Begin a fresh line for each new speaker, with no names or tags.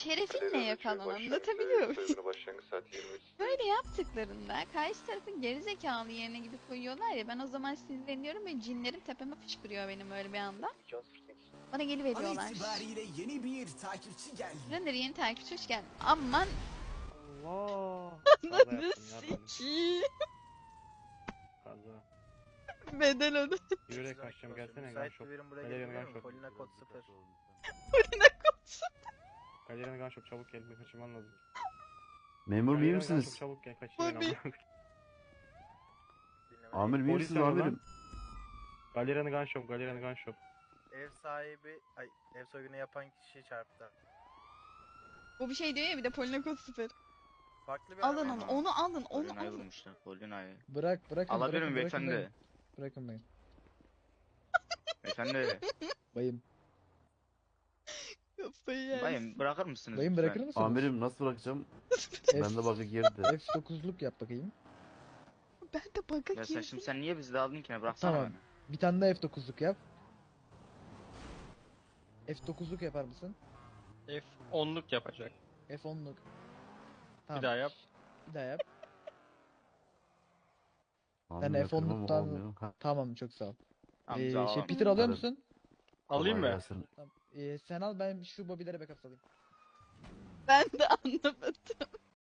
Şerefinle yakalan, anlatabiliyor muyum? Böyle yaptıklarında karşı tarafın gerizekalı yerine gidip koyuyorlar ya, ben o zaman sinirleniyorum ve cinlerim tepeme fışkırıyor benim öyle bir anda. Bana
An
geliveriyorlar.
itibariyle yeni bir takipçi geldi.
Render yeni takipçi hoş geldin. Aman
Allah. Kaza
ananı
yaptım ya ben.
sikiyim.
Kaza.
Bedel öde.
Yürüyerek kaçacağım gelsene gun
Müsait
shop.
bir birim buraya
Galeriyan'a
gelebilir
gun
mi?
shop.
Polina kod 0.
Galeriyan'a gun shop çabuk gel. Bir kaçırman lazım.
Memur iyi
Galeriyan'a gun shop
misiniz?
çabuk gel. Kaçırmayın
Tabii.
ama.
Amirim iyi
Polis
misiniz
arıyor lan.
amirim?
Galeriyan'a gun shop. Galeriyan'a gun shop.
Ev sahibi, ev soygunu yapan kişi çarptı.
O bir şey diyor ya, bir de Polina kod 0.
Farklı bir
Alın
araba.
onu alın, onu
Polina'yı
alın.
vurmuşlar. Polina'yı.
Bırakın.
Alabilir miyim
bırakın
beyefendi?
bayım. Bırakın bayım.
Beyefendi.
Bayım.
Kafayı yersin.
Bayım bırakır mısınız
Bayım
lütfen?
bırakır mısınız?
Amirim nasıl bırakacağım?
F-
Ben de bakı girdi.
F9'luk yap bakayım.
Ben de baka
Ya sen
girdim.
şimdi sen niye bizi de aldın ki? Bıraksana
Tamam.
beni.
Bir tane daha F9'luk yap. F9'luk yapar mısın?
F10'luk yapacak.
F10'luk. Tamam.
Bir daha yap.
Bir daha yap.
Amirim
Ben
yapıyorum ama
F10'luktan
olmuyor. Ha,
Tamam, çok sağ ol.
Amca alalım.
Peter alıyor
Tabii.
musun?
Alayım
kolay
mı?
gelsin.
Tamam. Sen al, ben şu bobilere backup alayım.
Ben de anlamadım.